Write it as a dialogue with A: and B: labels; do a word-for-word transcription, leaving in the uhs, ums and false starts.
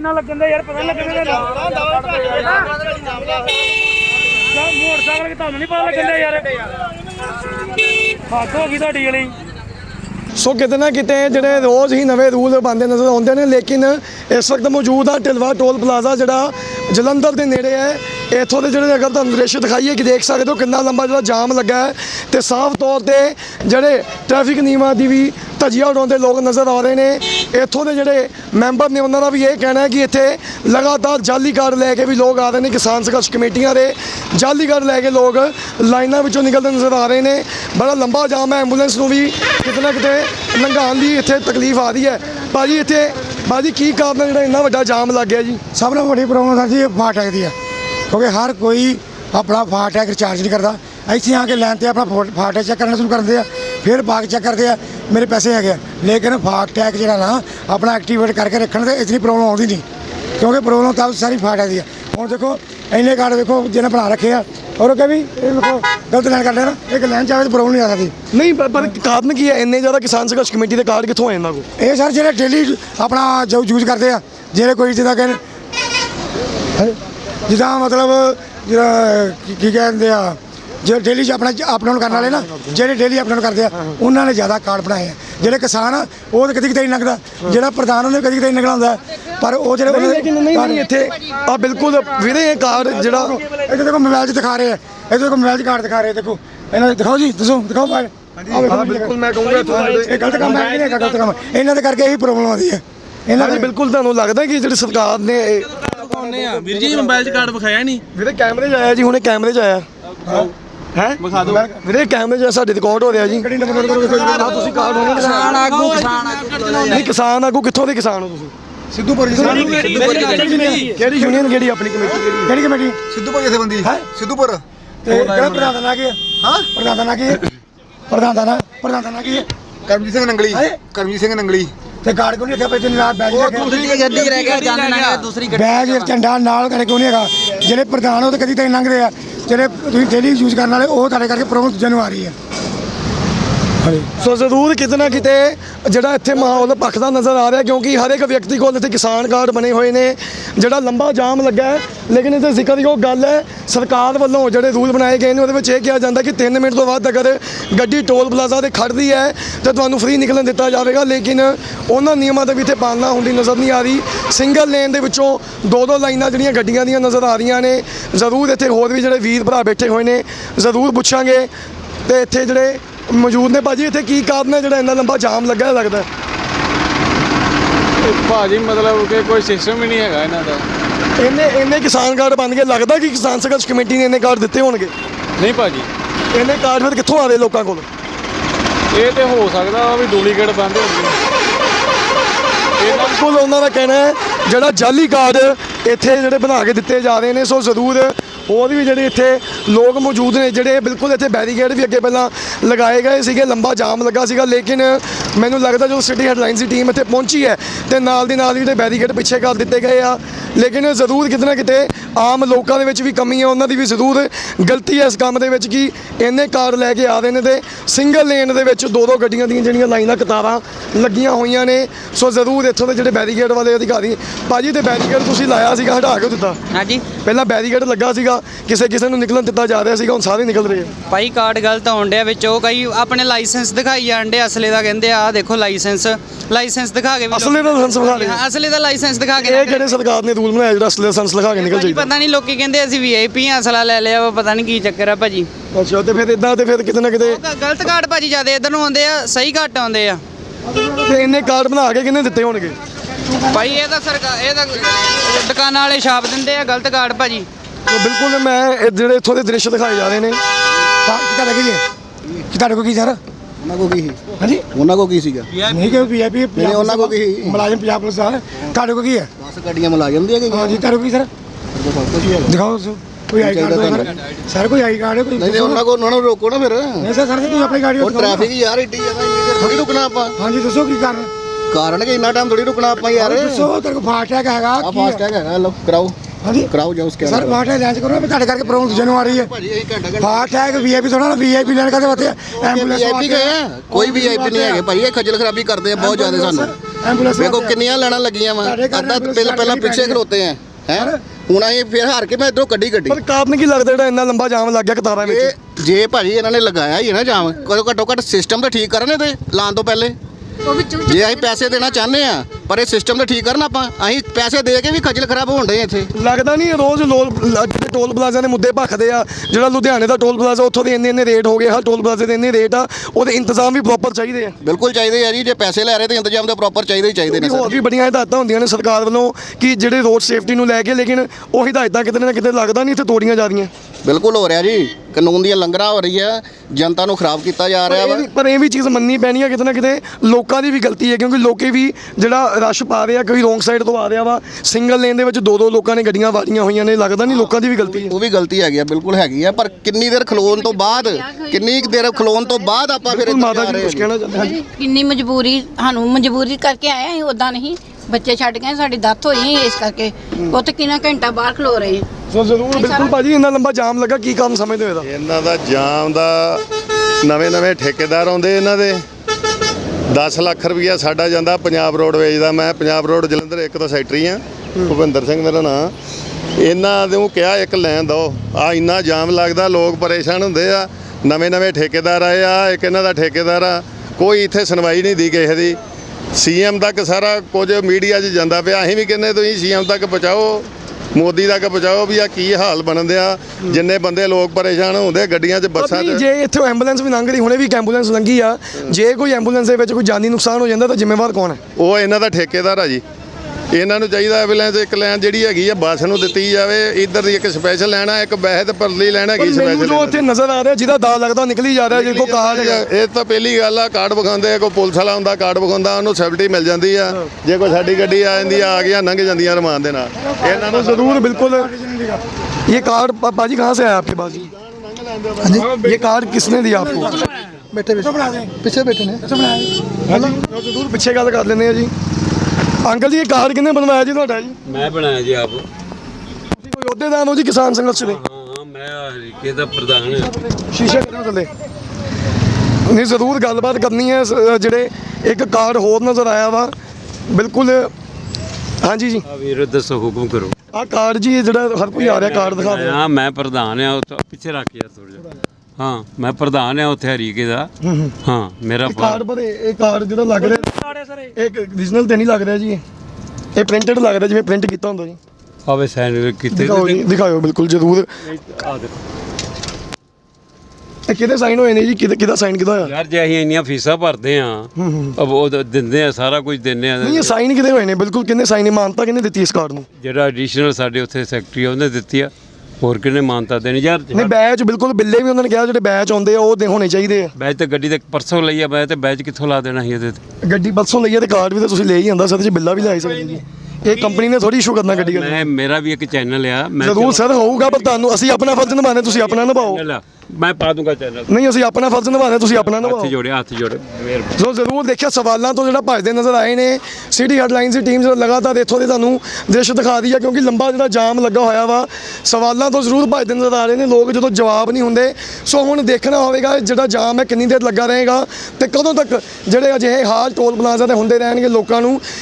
A: ਇੰਨਾ ਲੱਗਣ ਦਾ ਯਾਰ ਪਤਾ ਨਹੀਂ ਲੱਗਣ ਦਾ ਮੋਟਰਸਾਈਕਲ ਕਿ ਤੁਹਾਨੂੰ ਨਹੀਂ ਪਤਾ ਲੱਗਣ ਦਾ ਯਾਰ ਹੱਥ ਹੋ ਗਈ ਤੁਹਾਡੀ ਵਾਲੀ।
B: ਸੋ ਕਿਤੇ ਨਾ ਕਿਤੇ ਜਿਹੜੇ ਰੋਜ਼ ਹੀ ਨਵੇਂ ਰੂਲ ਬਣਦੇ ਨਜ਼ਰ ਆਉਂਦੇ ਨੇ, ਲੇਕਿਨ ਇਸ ਵਕਤ ਮੌਜੂਦ ਆ ਢਿਲਵਾ ਟੋਲ ਪਲਾਜ਼ਾ ਜਿਹੜਾ ਜਲੰਧਰ ਦੇ ਨੇੜੇ ਹੈ। ਇੱਥੋਂ ਦੇ ਜਿਹੜੇ ਅਗਰ ਤੁਹਾਨੂੰ ਦ੍ਰਿਸ਼ ਦਿਖਾਈਏ ਕਿ ਦੇਖ ਸਕਦੇ ਹੋ ਕਿੰਨਾ ਲੰਬਾ ਜਿਹੜਾ ਜਾਮ ਲੱਗਾ ਹੈ ਤੇ ਸਾਫ਼ ਤੌਰ ਤੇ ਜਿਹੜੇ ਟ੍ਰੈਫਿਕ ਨਿਯਮਾਂ ਦੀ ਵੀ ਧੱਜੀਆਂ ਉਡਾਉਂਦੇ ਲੋਕ ਨਜ਼ਰ ਆ ਰਹੇ ਨੇ। ਇੱਥੋਂ ਦੇ ਜਿਹੜੇ ਮੈਂਬਰ ਨੇ ਉਹਨਾਂ ਦਾ ਵੀ ਇਹ ਕਹਿਣਾ ਹੈ ਕਿ ਇੱਥੇ ਲਗਾਤਾਰ ਜਾਲੀ ਕਾਰਡ ਲੈ ਕੇ ਵੀ ਲੋਕ ਆ ਰਹੇ ਨੇ। ਕਿਸਾਨ ਸੰਘਰਸ਼ ਕਮੇਟੀਆਂ ਦੇ ਜਾਲੀ ਕਾਰਡ ਲੈ ਕੇ ਲੋਕ ਲਾਈਨਾਂ ਵਿੱਚੋਂ ਨਿਕਲਦੇ ਨਜ਼ਰ ਆ ਰਹੇ ਨੇ। ਬੜਾ ਲੰਬਾ ਜਾਮ ਹੈ, ਐਂਬੂਲੈਂਸ ਨੂੰ ਵੀ ਕਿਤੇ ਨਾ ਕਿਤੇ ਲੰਘਾਉਣ ਦੀ ਇੱਥੇ ਤਕਲੀਫ ਆ ਰਹੀ ਹੈ। ਭਾਜੀ ਇੱਥੇ ਭਾਜੀ ਕੀ ਕਾਰਨ ਹੈ ਜਿਹੜਾ ਇੰਨਾ ਵੱਡਾ ਜਾਮ ਲੱਗ ਗਿਆ ਜੀ?
C: ਸਭ ਤੋਂ ਵੱਡੀ ਪ੍ਰੋਬਲਮ ਸਰ ਜੀ ਫਾਸਟੈਗ ਦੀ ਹੈ, ਕਿਉਂਕਿ ਹਰ ਕੋਈ ਆਪਣਾ ਫਾਸਟੈਗ ਰਿਚਾਰਜ ਨਹੀਂ ਕਰਦਾ। ਇੱਥੇ ਆ ਕੇ ਲਾਈਨ 'ਤੇ ਆਪਣਾ ਫਾਸਟੈਗ ਚੈੱਕ ਕਰਨਾ ਸ਼ੁਰੂ ਕਰਦੇ ਆ, ਫਿਰ ਬਾਗ ਚੈੱਕ ਕਰਦੇ ਆ ਮੇਰੇ ਪੈਸੇ ਹੈਗੇ ਆ, ਲੇਕਿਨ ਫਾਸਟੈਗ ਜਿਹੜਾ ਨਾ ਆਪਣਾ ਐਕਟੀਵੇਟ ਕਰਕੇ ਰੱਖਣ ਤੇ ਇਤਨੀ ਪ੍ਰੋਬਲਮ ਆਉਂਦੀ ਨਹੀਂ, ਕਿਉਂਕਿ ਪ੍ਰੋਬਲਮ ਤਾਂ ਸਾਰੀ ਫਾਸਟੈਗ ਦੀ ਹੈ। ਹੁਣ ਦੇਖੋ ਇੰਨੇ ਕਾਰਡ ਵੇਖੋ ਜਿਹਨੇ ਬਣਾ ਰੱਖੇ ਆ, ਔਰ ਕਿ ਵੀ ਇਹ ਵੇਖੋ ਗਲਤ ਲਾਈਨ ਕੱਢ ਲੈਣਾ, ਇੱਕ ਲਾਈਨ 'ਚ ਆਵੇ ਤਾਂ ਪ੍ਰੋਬਲਮ ਨਹੀਂ ਆ ਸਕਦੀ।
B: ਨਹੀਂ ਪਰ ਕਾਰਨ ਕੀ ਹੈ ਇੰਨੇ ਜ਼ਿਆਦਾ ਕਿਸਾਨ ਸੰਘਰਸ਼ ਕਮੇਟੀ ਦੇ ਕਾਰਡ ਕਿੱਥੋਂ ਆਏ ਇਹਨਾਂ ਕੋਲ?
C: ਇਹ ਸਰ ਜਿਹੜੇ ਡੇਲੀ ਆਪਣਾ ਜੋ ਯੂਜ਼ ਕਰਦੇ ਆ, ਜਿਹੜੇ ਕੋਈ ਜਿੱਦਾਂ ਕਿ ਜਿੱਦਾਂ ਮਤਲਬ ਜਿਹੜਾ ਕੀ ਕੀ ਕਹਿੰਦੇ ਆ ਜਿਹੜੇ ਡੇਲੀ ਆਪਣਾ ਅਪਡਾਊਨ ਕਰਨ ਵਾਲੇ ਨਾ, ਜਿਹੜੇ ਡੇਲੀ ਅਪਡਾਊਨ ਕਰਦੇ ਆ ਉਹਨਾਂ ਨੇ ਜ਼ਿਆਦਾ ਕਾਰਡ ਬਣਾਏ ਆ। ਜਿਹੜੇ ਕਿਸਾਨ ਆ ਉਹ ਤਾਂ ਕਦੀ ਕਿਤੇ ਨਹੀਂ ਲੰਘਦਾ, ਜਿਹੜਾ ਪ੍ਰਧਾਨ ਉਹਨੇ ਕਦੀ ਕਿਤੇ ਨਹੀਂ ਨਿਕਲਦਾ, ਪਰ ਉਹ ਜਿਹੜੇ
B: ਲੇਕਿਨ ਨਹੀਂ ਨਹੀਂ ਇੱਥੇ ਆ ਬਿਲਕੁਲ ਵੀਰੇ ਇਹ ਕਾਰਡ ਜਿਹੜਾ
C: ਇੱਥੇ ਦੇਖੋ ਮੋਬਾਈਲ 'ਚ ਦਿਖਾ ਰਹੇ ਆ, ਇੱਥੇ ਦੇਖੋ ਮੋਬਾਈਲ 'ਚ ਕਾਰਡ ਦਿਖਾ ਰਹੇ, ਦੇਖੋ ਇਹਨਾਂ ਦੇ ਦਿਖਾਓ ਜੀ, ਦੱਸੋ ਦਿਖਾਓ ਬਾਹਰ।
B: ਹਾਂ ਬਿਲਕੁਲ ਮੈਂ ਕਹੂੰਗਾ
C: ਇਹ ਗਲਤ ਕੰਮ ਹੈ, ਨਹੀਂ ਗਲਤ ਕੰਮ ਇਹਨਾਂ ਦੇ ਕਰਕੇ ਇਹੀ ਪ੍ਰੋਬਲਮ ਆਉਂਦੀ ਹੈ ਇਹਨਾਂ
B: ਦੇ। ਬਿਲਕੁਲ ਤੁਹਾਨੂੰ ਲੱਗਦਾ ਕਿ ਜਿਹੜੀ ਸਰਕਾਰ ਨੇ
D: ਆ ਵੀਰ ਜੀ ਮੋਬਾਈਲ 'ਚ ਕਾਰਡ ਵਿਖਾਇਆ ਨਹੀਂ
B: ਵੀਰੇ ਕੈਮਰੇ 'ਚ ਆਇਆ ਜੀ, ਹੁਣੇ ਕੈਮਰੇ 'ਚ ਆਇਆ ਹੈ
D: ਵਿਖਾ ਦਿਓ
B: ਵੀਰੇ ਕੈਮਰੇ 'ਚ ਸਾਡੇ ਰਿਕਾਰਡ ਹੋ ਰਿਹਾ ਜੀ।
C: ਗੱਡੀ ਨੰਬਰ ਕਰੋ
B: ਆ ਤੁਸੀਂ ਕਾਰਡ ਹੋਣੇ
D: ਕਿਸਾਨ ਆਗੂ ਕਿਸਾਨ ਆਗੂ
B: ਨਹੀਂ ਕਿਸਾਨ ਆਗੂ ਕਿੱਥੋਂ ਦੇ ਕਿਸਾਨ ਹੋ ਤੁਸੀਂ?
C: ਸਿੱਧੂਪੁਰ ਜੀ
B: ਕਿਹੜੀ ਯੂਨੀਅਨ ਕਿਹੜੀ ਆਪਣੀ ਕਮੇਟੀ ਕਿਹੜੀ?
C: ਕਿਹੜੀ ਕਮੇਟੀ?
E: ਸਿੱਧੂਪੁਰ ਜਥੇਬੰਦੀ ਸਿੱਧੂਪੁਰ
C: ਤੇ ਕਿਹੜਾ ਪ੍ਰਧਾਨ ਦਾ ਨਾਂ ਕੀ ਹੈ?
E: ਹਾਂ
C: ਪ੍ਰਧਾਨ ਦਾ ਨਾਂ ਕੀ ਹੈ? ਪ੍ਰਧਾਨ ਦਾ ਨਾਂ ਪ੍ਰਧਾਨ ਦਾ ਨਾਂ ਕੀ ਹੈ?
E: ਕਰਮਜੀਤ ਸਿੰਘ ਨੰਗਲੀ ਕਰਮਜੀਤ ਸਿੰਘ ਨੰਗਲੀ
C: ਤੇ ਕਾਰਡ ਕਿਉਂ ਨਹੀਂ ਰੱਖਿਆ ਪਏ ਨਾਲ ਬੈਜ ਰੱਖਿਆ?
D: ਦੂਸਰੀ ਗੱਡੀ ਰਹਿ ਗਿਆ ਜਾਣ ਨਾ ਦੂਸਰੀ
C: ਬੈਜ ਝੰਡਾ ਨਾਲ ਕਰਕੇ ਕਿਉਂ ਨਹੀਂ ਹੈਗਾ? ਜਿਹੜੇ ਪ੍ਰਧਾਨ ਉਹ ਤਾਂ ਕਦੀ ਤਾਂ ਲੰਘਦੇ ਆ, ਜਿਹੜੇ ਤੁਸੀਂ ਡੇਲੀ ਯੂਜ਼ ਕਰਨ ਵਾਲੇ ਉਹ ਤੁਹਾਡੇ ਕਰਕੇ ਪ੍ਰੋਬਲਮ ਦੂਜਿਆਂ ਨੂੰ ਆ ਰਹੀ ਹੈ।
B: ਸੋ ਜ਼ਰੂਰ ਕਿਤੇ ਨਾ ਕਿਤੇ ਜਿਹੜਾ ਇੱਥੇ ਮਾਹੌਲ ਭਖਦਾ ਨਜ਼ਰ ਆ ਰਿਹਾ, ਕਿਉਂਕਿ ਹਰ ਇੱਕ ਵਿਅਕਤੀ ਕੋਲ ਇੱਥੇ ਕਿਸਾਨ ਕਾਰਡ ਬਣੇ ਹੋਏ ਨੇ। ਜਿਹੜਾ ਲੰਬਾ ਜਾਮ ਲੱਗਾ ਹੈ, ਲੇਕਿਨ ਇਹਦੇ ਜ਼ਿਕਰ ਦੀ ਉਹ ਗੱਲ ਹੈ ਸਰਕਾਰ ਵੱਲੋਂ ਜਿਹੜੇ ਰੂਲ ਬਣਾਏ ਗਏ ਨੇ ਉਹਦੇ ਵਿੱਚ ਇਹ ਕਿਹਾ ਜਾਂਦਾ ਕਿ ਤਿੰਨ ਮਿੰਟ ਤੋਂ ਬਾਅਦ ਅਗਰ ਗੱਡੀ ਟੋਲ ਪਲਾਜ਼ਾ 'ਤੇ ਖੜ੍ਹਦੀ ਹੈ ਤਾਂ ਤੁਹਾਨੂੰ ਫ੍ਰੀ ਨਿਕਲਣ ਦਿੱਤਾ ਜਾਵੇਗਾ, ਲੇਕਿਨ ਉਹਨਾਂ ਨਿਯਮਾਂ ਦੇ ਵੀ ਇੱਥੇ ਪਾਲਣਾ ਹੁੰਦੀ ਨਜ਼ਰ ਨਹੀਂ ਆ ਰਹੀ। ਸਿੰਗਲ ਲੇਨ ਦੇ ਵਿੱਚੋਂ ਦੋ ਦੋ ਲਾਈਨਾਂ ਜਿਹੜੀਆਂ ਗੱਡੀਆਂ ਦੀਆਂ ਨਜ਼ਰ ਆ ਰਹੀਆਂ ਨੇ। ਜ਼ਰੂਰ ਇੱਥੇ ਹੋਰ ਵੀ ਜਿਹੜੇ ਵੀਰ ਭਰਾ ਬੈਠੇ ਹੋਏ ਨੇ, ਜ਼ਰੂਰ ਪੁੱਛਾਂਗੇ। ਤੇ ਇੱਥੇ ਜਿਹੜੇ ਮੌਜੂਦ ਨੇ ਭਾਜੀ ਇੱਥੇ ਕੀ ਕਾਰਨ ਹੈ ਜਿਹੜਾ ਇੰਨਾ ਲੰਬਾ ਜਾਮ ਲੱਗਾ ਲੱਗਦਾ?
D: ਭਾਜੀ ਮਤਲਬ ਕਿ ਕੋਈ ਸਿਸਟਮ ਹੀ ਨਹੀਂ ਹੈਗਾ ਇਹਨਾਂ ਦਾ।
B: ਇੰਨੇ ਇੰਨੇ ਕਿਸਾਨ ਕਾਰਡ ਬਣ ਗਏ, ਲੱਗਦਾ ਕਿ ਕਿਸਾਨ ਸੰਘਰਸ਼ ਕਮੇਟੀ ਨੇ ਇੰਨੇ ਕਾਰਡ ਦਿੱਤੇ ਹੋਣਗੇ?
D: ਨਹੀਂ ਭਾਜੀ
B: ਇੰਨੇ ਕਾਰਡ ਫਿਰ ਕਿੱਥੋਂ ਆ ਰਹੇ ਲੋਕਾਂ ਕੋਲ?
D: ਇਹ ਤੇ ਹੋ ਸਕਦਾ ਵਾ ਵੀ ਡੁਪਲੀਕੇਟ ਬੰਦ ਹੋਣਗੇ।
B: ਇਹਨਾਂ ਕੋਲ ਉਹਨਾਂ ਦਾ ਕਹਿਣਾ ਹੈ ਜਿਹੜਾ ਜਾਲੀ ਕਾਰਡ ਇੱਥੇ ਜਿਹੜੇ ਬਣਾ ਕੇ ਦਿੱਤੇ ਜਾ ਰਹੇ ਨੇ। ਸੋ ਜ਼ਰੂਰ ਹੋਰ ਵੀ ਜਿਹੜੇ ਇੱਥੇ ਲੋਕ ਮੌਜੂਦ ਨੇ, ਜਿਹੜੇ ਬਿਲਕੁਲ ਇੱਥੇ ਬੈਰੀਕੇਡ ਵੀ ਅੱਗੇ ਪਹਿਲਾਂ ਲਗਾਏ ਗਏ ਸੀਗੇ, ਲੰਬਾ ਜਾਮ ਲੱਗਾ ਸੀਗਾ, ਲੇਕਿਨ ਮੈਨੂੰ ਲੱਗਦਾ ਜਦੋਂ ਸਿਟੀ ਹੈਡਲਾਈਨਸ ਦੀ ਟੀਮ ਇੱਥੇ ਪਹੁੰਚੀ ਹੈ ਤੇ ਨਾਲ ਦੀ ਨਾਲ ਜਿਹੜੇ ਬੈਰੀਕੇਡ ਪਿੱਛੇ ਕਰ ਦਿੱਤੇ ਗਏ ਆ। ਲੇਕਿਨ ਜ਼ਰੂਰ ਕਿਤੇ ਨਾ ਕਿਤੇ ਆਮ ਲੋਕਾਂ ਦੇ ਵਿੱਚ ਵੀ ਕਮੀ ਹੈ, ਉਹਨਾਂ ਦੀ ਵੀ ਜ਼ਰੂਰ ਗਲਤੀ ਹੈ ਇਸ ਕੰਮ ਦੇ ਵਿੱਚ ਕਿ ਇੰਨੇ ਕਾਰ ਲੈ ਕੇ ਆ ਰਹੇ ਨੇ ਤੇ ਸਿੰਗਲ ਲੇਨ ਦੇ ਵਿੱਚ ਦੋ ਦੋ ਗੱਡੀਆਂ ਦੀਆਂ ਜਿਹੜੀਆਂ ਲਾਈਨਾਂ ਕਤਾਰਾਂ ਲੱਗੀਆਂ ਹੋਈਆਂ ਨੇ। ਸੋ ਜ਼ਰੂਰ ਇੱਥੋਂ ਦੇ ਜਿਹੜੇ ਬੈਰੀਕੇਡ ਵਾਲੇ ਅਧਿਕਾਰੀ ਭਾਜੀ ਤੇ ਬੈਰੀਕੇਡ ਤੁਸੀਂ ਲਾਇਆ ਸੀਗਾ, ਹਟਾ ਕੇ ਦਿੱਤਾ?
F: ਹਾਂਜੀ
B: ਪਹਿਲਾਂ ਬੈਰੀਕੇਡ ਲੱਗਾ ਸੀਗਾ, ਕਿਸੇ ਕਿਸੇ ਨੂੰ ਨਿਕਲਣ ਦਿੱਤਾ ਜਾ ਰਿਹਾ ਸੀਗਾ, ਹੁਣ ਸਾਰੇ ਨਿਕਲ ਰਹੇ ਆ।
F: ਭਾਈ ਕਾਰਡ ਗਲਤ ਆਉਣ ਡਿਆ ਵਿੱਚ, ਉਹ ਕਈ ਆਪਣੇ ਲਾਇਸੈਂਸ ਦਿਖਾਈ ਜਾਂਦੇ ਅਸਲੇ ਦਾ ਕਹਿੰਦੇ ਆ ਦੇਖੋ ਲਾਇਸੈਂਸ ਲਾਇਸੈਂਸ ਦਿਖਾ ਕੇ ਵੀ
B: ਅਸਲੇ ਦਾ ਲਾਇਸੈਂਸ ਵਿਖਾ ਰਹੇ?
F: ਹਾਂ ਅਸਲੇ ਦਾ ਲਾਇਸੈਂਸ ਦਿਖਾ ਕੇ।
B: ਇਹ ਕਿਹੜੇ ਸਰਕਾਰ ਨੇ ਰੂਲ ਬਣਾਇਆ ਜਿਹੜਾ ਅਸਲੇ ਲਾਇਸੈਂਸ ਲਿਖਾ ਕੇ ਨਿਕਲ ਜਾਈਦਾ?
F: ਪਤਾ ਨਹੀਂ ਲੋਕੀ ਕਹਿੰਦੇ ਅਸੀਂ ਵੀ ਆਈ ਪੀ ਆ, ਅਸਲਾ ਲੈ ਲਿਆ ਵਾ, ਪਤਾ ਨਹੀਂ ਕੀ ਚੱਕਰ ਆ ਭਾਜੀ।
B: ਅੱਛਾ ਤੇ ਫਿਰ ਇਦਾਂ ਤੇ ਫਿਰ ਕਿਤੇ ਨਾ ਕਿਤੇ
F: ਗਲਤ ਕਾਰਡ ਭਾਜੀ ਜਿਆਦਾ ਇੱਧਰ ਨੂੰ ਆਉਂਦੇ ਆ, ਸਹੀ ਘੱਟ ਆਉਂਦੇ ਆ।
B: ਤੇ ਇੰਨੇ ਕਾਰਡ ਬਣਾ ਕੇ ਕਿਹਨੇ ਦਿੱਤੇ ਹੋਣਗੇ?
F: ਭਾਈ ਇਹ ਤਾਂ ਸਰਕਾਰ ਇਹ ਤਾਂ ਦੁਕਾਨਾਂ ਵਾਲੇ ਛਾਪ ਦਿੰਦੇ ਆ ਗਲਤ ਕਾਰਡ ਭਾਜੀ।
B: ਤਾਂ ਬਿਲਕੁਲ ਮੈਂ ਇਹ ਜਿਹੜੇ ਇੱਥੋਂ ਦੇ ਦ੍ਰਿਸ਼ ਦਿਖਾਏ ਜਾ ਰਹੇ ਨੇ।
C: ਕਿੱਦਾਂ ਲੱਗੀ ਜੀ ਕਿ ਤੁਹਾਡੇ ਕੋਲ ਕੀ ਸਰ?
E: ਉਹਨਾਂ ਕੋ ਕੀ
C: ਹਾਂਜੀ
E: ਉਹਨਾਂ ਕੋ ਕੀ ਸੀਗਾ?
C: ਨਹੀਂ ਕਿ ਵੀ ਆਈ ਪੀ
E: ਨਹੀਂ ਉਹਨਾਂ ਕੋ ਕੀ
C: ਮੁਲਾਜ਼ਮ ਪੰਜਾਬ ਪੁਲਿਸ ਦਾ ਤੁਹਾਡੇ ਕੋਲ ਕੀ ਹੈ?
E: ਦਸ ਗੱਡੀਆਂ ਮੁਲਾਜ਼ਮ ਦੀਆਂ ਗਈਆਂ।
C: ਹਾਂਜੀ ਤੁਹਾਡੇ ਕੋਲ ਕੀ ਸਰ?
E: ਸਭ ਕੁਝ ਹੀ ਹੈ।
C: ਦਿਖਾਓ ਸਰ ਕੋਈ ਆਈ ਕਾਰਡ ਸਰ ਸਰ ਕੋਈ ਆਈ ਕਾਰਡ ਕੋਈ?
E: ਨਹੀਂ ਨਹੀਂ ਉਹਨਾਂ ਕੋ ਉਹਨਾਂ ਨੂੰ ਰੋਕੋ ਨਾ ਫਿਰ।
C: ਨਹੀਂ ਸਰ ਸਰ ਤੁਸੀਂ ਆਪਣੀ ਗਾੜੀ
E: ਉਹ ਟ੍ਰੈਫਿਕ ਯਾਰ ਏਡੀ ਜ਼ਿਆਦਾ ਇੰਨੀ ਦੇਰ ਥੋੜੀ ਰੁਕਣਾ ਆਪਾਂ।
C: ਹਾਂਜੀ ਦੱਸੋ ਕੀ ਕਾਰਨ?
E: ਕਾਰਨ ਕਿ ਇੰਨਾ ਟਾਈਮ ਥੋੜੀ ਰੁਕਣਾ ਆਪਾਂ ਯਾਰ।
C: ਦੱਸੋ ਤੇਰੇ ਕੋਲ ਫਾਸਟੈਗ ਹੈਗਾ?
E: ਆ ਫਾਸਟੈਗ ਹੈਗਾ, ਲਓ ਕਰਾਓ।
C: ਹਾਂਜੀ
E: ਕਰਾਓ ਜਾਓ ਸਕੈਨ।
C: ਸਰ ਫਾਸਟੈਗ ਲੈਂਚ ਕਰੋ, ਤੁਹਾਡੇ ਕਰਕੇ ਪ੍ਰੋਬਲਮ ਦੂਜੇ ਨੂੰ ਆ ਰਹੀ ਹੈ।
E: ਭਾਜੀ ਇਹ ਘੰਟਾ ਘੰਟਾ
C: ਫਾਸਟੈਗ ਵੀ ਆਈ ਪੀ ਥੋੜਾ ਨਾ, ਵੀ ਆਈ ਪੀ ਲੈਣ ਕਰਦੇ ਵਾਸਤੇ ਐਂਬੂਲੈਂਸ
E: ਵੀਆਈਪੀ ਗਏ ਆ, ਕੋਈ ਵੀਆਈਪੀ ਨਹੀਂ ਹੈਗੇ ਭਾਈ। ਇਹ ਖੱਜਲ ਖਰਾਬੀ ਕਰਦੇ ਆ ਬਹੁਤ ਜ਼ਿਆਦਾ ਸਾਨੂੰ।
C: ਐਂਬੂਲੈਂਸ
E: ਵੇਖੋ
C: ਵਾਸਤੇ।
E: ਕਿੰਨੀਆਂ ਲੈਣਾ ਲੱਗੀਆਂ ਵਾ
C: ਸਾਡੇ ਘਰ
E: ਅੱਧਾ
C: ਐਂਬੂਲੈਂਸ
E: ਪਹਿਲਾਂ ਪਹਿਲਾਂ
C: ਲੱਗੀ
E: ਪਿੱਛੇ
C: ਪੈਣੀ।
E: ਖਲੋਤੇ ਆ ਹੈ ਹੁਣ ਅਸੀਂ ਫਿਰ ਹਾਰ ਕੇ ਮੈਂ ਇਧਰੋਂ ਕੱਢੀ ਗੱਡੀ
B: ਪਰ ਕਾਰਨ ਕੀ ਲੱਗਦਾ ਜਿਹੜਾ ਇੰਨਾ ਲੰਬਾ ਜਾਮ ਲੱਗ ਗਿਆ ਕਤਾਰਾਂ ਵਿੱਚ?
E: ਇਹ ਜੇ ਭਾਜੀ ਇਹਨਾਂ ਨੇ ਲਗਾਇਆ ਹੀ ਹੈ ਨਾ ਜਾਮ ਕਦੋਂ ਘੱਟੋ ਘੱਟ ਸਿਸਟਮ ਤਾਂ ਠੀਕ ਕਰਨ ਇਹਦੇ ਲਾਉਣ ਤੋਂ ਪਹਿਲੇ ਜੇ ਅਸੀਂ ਪੈਸੇ ਦੇਣਾ ਚਾਹੁੰਦੇ ਆ ਪਰ ਇਹ ਸਿਸਟਮ ਤਾਂ ਠੀਕ ਕਰਨ ਆਪਾਂ ਅਸੀਂ ਪੈਸੇ ਦੇ ਕੇ ਵੀ ਖੱਜਲ ਖਰਾਬ ਹੋਣ ਡੇ ਇੱਥੇ
B: ਲੱਗਦਾ ਨਹੀਂ ਰੋਜ਼ ਲੋਲ ਜਿਹੜੇ ਟੋਲ ਪਲਾਜ਼ਾ ਦੇ ਮੁੱਦੇ ਭਖਦੇ ਆ, ਜਿਹੜਾ ਲੁਧਿਆਣੇ ਦਾ ਟੋਲ ਪਲਾਜ਼ਾ ਉੱਥੋਂ ਦੇ ਇੰਨੇ ਇੰਨੇ ਰੇਟ ਹੋ ਗਏ, ਹਰ ਟੋਲ ਪਲਾਜ਼ੇ ਦੇ ਇੰਨੇ ਰੇਟ ਆ, ਉਹਦੇ ਇੰਤਜ਼ਾਮ ਵੀ ਪ੍ਰੋਪਰ ਚਾਹੀਦੇ ਆ।
E: ਬਿਲਕੁਲ ਚਾਹੀਦੇ ਆ ਜੀ ਜੇ ਪੈਸੇ ਲੈ ਰਹੇ ਤੇ ਇੰਤਜ਼ਾਮ ਤਾਂ ਪ੍ਰੋਪਰ ਚਾਹੀਦੇ ਹੀ ਚਾਹੀਦੇ ਨੇ
B: ਹੋਰ
E: ਸਰ
B: ਵੀ ਬੜੀਆਂ ਹਦਾਇਤਾਂ ਹੁੰਦੀਆਂ ਨੇ ਸਰਕਾਰ ਵੱਲੋਂ ਕਿ ਜਿਹੜੇ ਰੋਡ ਸੇਫਟੀ ਨੂੰ ਲੈ ਕੇ, ਲੇਕਿਨ ਉਹ ਹਦਾਇਤਾਂ ਕਿਤੇ ਨਾ ਕਿਤੇ ਲੱਗਦਾ ਨਹੀਂ ਇੱਥੇ ਤੋੜੀਆਂ ਜਾ ਰਹੀਆਂ।
E: ਬਿਲਕੁਲ ਹੋ ਰਿਹਾ ਜੀ ਕਾਨੂੰਨ ਦੀਆਂ ਲੰਗਰਾਂ ਹੋ ਰਹੀ ਆ ਜਨਤਾ ਨੂੰ ਖਰਾਬ ਕੀਤਾ ਜਾ ਰਿਹਾ ਵਾ
B: ਪਰ ਇਹ ਵੀ ਚੀਜ਼ ਮੰਨਣੀ ਪੈਣੀ ਹੈ ਕਿਤੇ ਨਾ ਕਿਤੇ ਲੋਕਾਂ ਦੀ ਵੀ ਗਲਤੀ ਹੈ, ਕਿਉਂਕਿ ਲੋਕੀ ਵੀ ਜਿਹੜਾ ਰਸ਼ ਪਾ ਰਹੇ ਆ, ਕੋਈ ਰੋਂਗ ਸਾਈਡ ਤੋਂ ਆ ਰਿਹਾ ਵਾ, ਸਿੰਗਲ ਲੇਨ ਦੇ ਵਿੱਚ ਦੋ ਦੋ ਲੋਕਾਂ ਨੇ ਗੱਡੀਆਂ ਵਾਰੀਆਂ ਹੋਈਆਂ ਨੇ, ਲੱਗਦਾ ਨਹੀਂ ਲੋਕਾਂ ਦੀ ਵੀ ਗਲਤੀ ਹੈ।
E: ਉਹ ਵੀ ਗਲਤੀ ਹੈਗੀ ਆ ਬਿਲਕੁਲ ਹੈਗੀ ਆ ਪਰ ਕਿੰਨੀ ਦੇਰ ਖਲੋਣ ਤੋਂ ਬਾਅਦ ਕਿੰਨੀ ਕੁ ਦੇਰ ਖਲੋਣ ਤੋਂ ਬਾਅਦ ਆਪਾਂ ਫਿਰ ਇੱਧਰ
B: ਮਾਤਾ
E: ਜਾ
B: ਜੀ
E: ਰਹੇ
B: ਕੁਝ
E: ਹਾਂ
B: ਕਹਿਣਾ ਚਾਹੁੰਦੇ ਹਾਂ?
G: ਕਿੰਨੀ ਮਜਬੂਰੀ ਸਾਨੂੰ ਮਜਬੂਰੀ ਕਰਕੇ ਆਏ ਅਸੀਂ ਉਦਾਂ ਨਹੀਂ ਬੱਚੇ ਛੱਡ ਗਏ ਸਾਡੀ ਡੈਥ ਹੋਈ ਇਸ ਕਰਕੇ ਉੱਥੇ ਕਿੰਨਾ ਘੰਟਾ ਬਾਹਰ ਖਲੋ ਰਹੇ
B: ਸੋ ਜ਼ਰੂਰ ਬਿਲਕੁਲ ਭਾਜੀ, ਇੰਨਾ ਲੰਬਾ ਜਾਮ ਲੱਗਾ, ਕੀ ਕੰਮ ਸਮਝਦੇ ਹੋ ਇਹਦਾ?
H: ਇਹਨਾਂ ਦਾ ਜਾਮ ਦਾ ਨਵੇਂ ਨਵੇਂ ਠੇਕੇਦਾਰ ਆਉਂਦੇ ਇਹਨਾਂ ਦੇ ਦਸ ਲੱਖ ਰੁਪਈਆ ਸਾਡਾ ਜਾਂਦਾ ਪੰਜਾਬ ਰੋਡਵੇਜ ਦਾ। ਮੈਂ ਪੰਜਾਬ ਰੋਡ ਜਲੰਧਰ ਇੱਕ ਤੋਂ ਸੈਕਟਰੀ ਆ, ਭੁਪਿੰਦਰ ਸਿੰਘ ਮੇਰਾ ਨਾਂ। ਇਹਨਾਂ ਨੂੰ ਕਿਹਾ ਇੱਕ ਲੈਣ ਦਿਓ, ਆ ਇੰਨਾ ਜਾਮ ਲੱਗਦਾ, ਲੋਕ ਪਰੇਸ਼ਾਨ ਹੁੰਦੇ ਆ। ਨਵੇਂ ਨਵੇਂ ਠੇਕੇਦਾਰ ਆਏ ਆ, ਇੱਕ ਇਹਨਾਂ ਦਾ ਠੇਕੇਦਾਰ ਆ, ਕੋਈ ਇੱਥੇ ਸੁਣਵਾਈ ਨਹੀਂ ਦੀ ਕਿਸੇ ਦੀ। ਸੀਐਮ ਤੱਕ ਸਾਰਾ ਕੁਝ ਮੀਡੀਆ 'ਚ ਜਾਂਦਾ ਪਿਆ, ਅਸੀਂ ਵੀ ਕਹਿੰਦੇ ਤੁਸੀਂ ਸੀਐਮ ਤੱਕ ਪਹੁੰਚਾਓ, ਮੋਦੀ ਤੱਕ ਪਹੁੰਚਾਓ ਵੀ ਆ ਕੀ ਹਾਲ ਬਣਨ ਦਿਆ। ਜਿੰਨੇ ਬੰਦੇ ਲੋਕ ਪਰੇਸ਼ਾਨ ਹੁੰਦੇ ਗੱਡੀਆਂ 'ਚ ਬੱਸਾਂ 'ਚ।
B: ਜੇ ਇੱਥੋਂ ਐਂਬੂਲੈਂਸ ਵੀ ਲੰਘ ਰਹੀ, ਹੁਣੇ ਵੀ ਇੱਕ ਐਂਬੂਲੈਂਸ ਲੰਘੀ ਆ, ਜੇ ਕੋਈ ਐਂਬੂਲੈਂਸ ਦੇ ਵਿੱਚ ਕੋਈ ਜਾਨੀ ਨੁਕਸਾਨ ਹੋ ਜਾਂਦਾ ਤਾਂ ਜ਼ਿੰਮੇਵਾਰ ਕੌਣ ਹੈ?
H: ਉਹ ਇਹਨਾਂ ਦਾ ਠੇਕੇਦਾਰ ਆ ਜੀ। ਇਹਨਾਂ ਨੂੰ ਚਾਹੀਦਾ ਐਂਬੂਲੈਂਸ ਇੱਕ ਲੈਣ ਜਿਹੜੀ ਹੈਗੀ ਆ ਬੱਸ ਨੂੰ ਦਿੱਤੀ ਜਾਵੇ, ਇੱਧਰ ਦੀ ਇੱਕ ਸਪੈਸ਼ਲ ਲੈਣਾ, ਇੱਕ ਬਹਿਤ ਪਰਲੀ ਲੈਣ ਹੈਗੀ
B: ਮੈਨੂੰ ਜੋ
H: ਸਪੈਸ਼ਲ।
B: ਇੱਥੇ ਨਜ਼ਰ ਆ ਰਿਹਾ ਜਿਹਦਾ ਦਾਅ ਲੱਗਦਾ ਨਿਕਲੀ ਜਾ ਰਿਹਾ, ਜੇ ਕੋਈ ਕਾਰਡ ਹੈਗਾ।
H: ਇਹ ਤਾਂ ਪਹਿਲੀ ਗੱਲ ਆ, ਕਾਰਡ ਵਿਖਾਉਂਦੇ ਆ, ਕੋਈ ਪੁਲਿਸ ਵਾਲਾ ਹੁੰਦਾ ਕਾਰਡ ਵਿਖਾਉਂਦਾ, ਉਹਨੂੰ ਸੈਫਟੀ ਮਿਲ ਜਾਂਦੀ ਆ। ਜੇ ਕੋਈ ਸਾਡੀ ਗੱਡੀ ਆ ਜਾਂਦੀ ਆ, ਆ ਗਈਆਂ ਲੰਘ ਜਾਂਦੀਆਂ ਰਮਾਨ ਦੇ ਨਾਲ। ਇਹਨਾਂ ਨੂੰ
B: जरूर बिल्कुल। ये कार्ड पा- पाजी कहाँ से आया आपके पास? ये कार्ड किसने दिया आपको?
C: ਬੈਠੇ ਪਿੱਛੇ ਬੈਠੇ ਨੇ
B: जरूर पिछे गल कर लेने जी। अंकल जी ये कार्ड किसने बनवाया जी ਤੁਹਾਡਾ ਜੀ?
I: ਮੈਂ ਬਣਾਇਆ ਜੀ ਆਪ।
B: ਤੁਸੀਂ ਕੋਈ ਅਹੁਦੇਦਾਰ ਹੋ ਜੀ ਕਿਸਾਨ ਸੰਘਰਸ਼ ਦੇ?
I: ਹਾਂ ਮੈਂ ਹਰੀਕੇ ਦਾ ਪ੍ਰਧਾਨ ਹਾਂ।
B: ਸ਼ੀਸ਼ੇ ਕਿਹਦੇ ਥੱਲੇ? ਨਹੀਂ ਜ਼ਰੂਰ ਗੱਲਬਾਤ ਕਰਨੀ ਹੈ। ਸ- ਜਿਹੜੇ ਇੱਕ ਕਾਰਡ ਹੋਰ ਨਜ਼ਰ ਆਇਆ ਵਾ ਬਿਲਕੁਲ। ਹਾਂਜੀ ਜੀ,
I: ਆ ਵੀਰ ਦੱਸੋ ਹੁਕਮ ਕਰੋ।
B: ਆਹ ਕਾਰਡ ਜੀ, ਇਹ ਜਿਹੜਾ ਹਰ ਕੋਈ ਆ ਰਿਹਾ ਕਾਰਡ ਦਿਖਾ ਰਿਹਾ।
I: ਹਾਂ ਮੈਂ ਪ੍ਰਧਾਨ ਆ, ਉੱਥੇ ਪਿੱਛੇ ਰੱਖ ਯਾਰ ਥੋੜਾ ਜਿਹਾ। ਹਾਂ ਮੈਂ ਪ੍ਰਧਾਨ ਆ ਉੱਥੇ ਹਰੀਕੇ ਦਾ। ਹਾਂ ਮੇਰਾ
B: ਇਹ ਕਾਰਡ ਪਰ ਇਹ ਇਹ ਕਾਰਡ ਜਿਹੜਾ ਲੱਗ ਰਿਹਾ ਇਹ ਓਰੀਜਨਲ ਤੇ ਨਹੀਂ ਲੱਗ ਰਿਹਾ ਜੀ, ਇਹ ਇਹ ਪ੍ਰਿੰਟਡ ਲੱਗ ਰਿਹਾ ਜਿਵੇਂ ਪ੍ਰਿੰਟ ਕੀਤਾ ਹੁੰਦਾ ਜੀ।
I: ਆਵੇ ਸਾਈਨ ਕੀਤੇ
B: ਦਿਖਾਓ ਜੀ, ਦਿਖਾਓ ਬਿਲਕੁਲ ਜ਼ਰੂਰ।
I: ਆ ਦੇਖੋ
B: ਇਹ ਕਿਹਦੇ ਸਾਈਨ ਹੋਏ ਨੇ ਜੀ? ਕਿਹਦਾ ਕਿਹਦਾ ਸਾਈਨ ਕਿਹਦਾ ਹੋਇਆ?
I: ਯਾਰ ਜੇ ਅਸੀਂ ਇੰਨੀਆਂ ਫੀਸਾਂ ਭਰਦੇ ਆ ਅਬ ਉਹ ਤਾਂ ਦਿੰਦੇ ਆ, ਸਾਰਾ ਕੁਝ ਦਿੰਦੇ ਆ।
B: ਨਹੀਂ ਇਹ ਸਾਈਨ ਕਿਹਦੇ ਹੋਏ ਨੇ? ਬਿਲਕੁਲ ਕਿਹਨੇ ਸਾਈਨ ਮਾਨਤਾ ਕਿਹਨੇ ਦਿੱਤੀ ਇਸ ਕਾਰਡ ਨੂੰ?
I: ਜਿਹੜਾ ਐਡੀਸ਼ਨਲ ਸਾਡੇ ਉੱਥੇ ਸੈਕਟਰੀ ਆ ਉਹਨੇ ਦਿੱਤੀ ਆ, ਹੋਰ ਕਿਹਨੇ ਮਾਨਤਾ ਦੇਣੀ ਯਾਰ।
B: ਨਹੀਂ ਬੈਚ ਬਿਲਕੁਲ ਬਿੱਲੇ ਵੀ ਉਹਨਾਂ ਨੇ ਕਿਹਾ ਜਿਹੜੇ ਬੈਚ ਆਉਂਦੇ ਆ ਉਹ ਦੇ ਹੋਣੇ ਚਾਹੀਦੇ ਆ।
I: ਬੈਚ ਤੇ ਗੱਡੀ ਤੇ ਪਰਸੋਂ ਲਈ ਆ, ਮੈਂ ਤੇ ਬੈਚ ਕਿੱਥੋਂ ਲਾ ਦੇਣਾ ਸੀ ਇਹਦੇ ਤੇ?
B: ਗੱਡੀ ਬੱਸੋਂ ਲਈ ਆ ਤੇ ਕਾਰਡ ਵੀ ਤਾਂ ਤੁਸੀਂ ਲੈ ਹੀ ਆਂਦਾ, ਸਰ ਜੀ ਬਿੱਲਾ ਵੀ ਲੈ ਸਕਦੇ ਜੀ। ਇਹ ਕੰਪਨੀ ਨੇ ਥੋੜੀ ਇਸ਼ੂ ਕਰਨਾ ਗੱਡੀ ਦਾ।
I: ਮੈਂ ਮੇਰਾ ਵੀ ਇੱਕ ਚੈਨਲ ਆ। ਮੈਂ
B: ਜ਼ਰੂਰ ਸਰ ਹੋਊਗਾ, ਪਰ ਤੁਹਾਨੂੰ ਅਸੀਂ ਆਪਣਾ ਫਰਜ਼ ਨਿਭਾਉਣਾ, ਤੁਸੀਂ ਆਪਣਾ ਨਿਭਾਓ।
I: ਚੈਨਲ ਆ, ਮੈਂ ਪਾ ਦੂੰਗਾ ਚੈਨਲ।
B: ਨਹੀਂ ਅਸੀਂ ਆਪਣਾ ਫਰਜ਼ ਨਿਭਾਉਣਾ, ਤੁਸੀਂ ਆਪਣਾ
I: ਹੱਥ
B: ਨਿਭਾਓ।
I: ਜੋੜੇ ਹੱਥ ਜੋੜੇ ਮਿਹਰਬਾਨੀ।
B: ਸੋ ਜ਼ਰੂਰ ਦੇਖਿਆ ਸਵਾਲਾਂ ਤੋਂ ਜਿਹੜਾ ਭੱਜਦੇ ਨਜ਼ਰ ਆਏ ਨੇ। ਸਿਟੀ ਹੈਡਲਾਈਨਸ ਦੀ ਟੀਮ ਜਿਹੜਾ ਲਗਾਤਾਰ ਇੱਥੋਂ ਦੇ ਤੁਹਾਨੂੰ ਦ੍ਰਿਸ਼ ਦਿਖਾ ਰਹੀ ਹੈ, ਕਿਉਂਕਿ ਲੰਬਾ ਜਿਹੜਾ ਜਾਮ ਲੱਗਾ ਹੋਇਆ ਵਾ। ਸਵਾਲਾਂ ਤੋਂ ਜ਼ਰੂਰ ਭੱਜਦੇ ਨਜ਼ਰ ਆ ਰਹੇ ਨੇ ਲੋਕ ਜਦੋਂ ਜਵਾਬ ਨਹੀਂ ਹੁੰਦੇ। ਸੋ ਹੁਣ ਦੇਖਣਾ ਹੋਵੇਗਾ ਜਿਹੜਾ ਜਾਮ ਹੈ ਕਿੰਨੀ ਦੇਰ ਲੱਗਾ ਰਹੇਗਾ ਤੇ ਕਦੋਂ ਤੱਕ ਜਿਹੜੇ ਅਜਿਹੇ ਹਾਲ ਟੋਲ ਪਲਾਜ਼ਾ ਤੇ ਹੁੰਦੇ ਰਹਿਣਗੇ। ਲੋਕਾਂ ਨੂੰ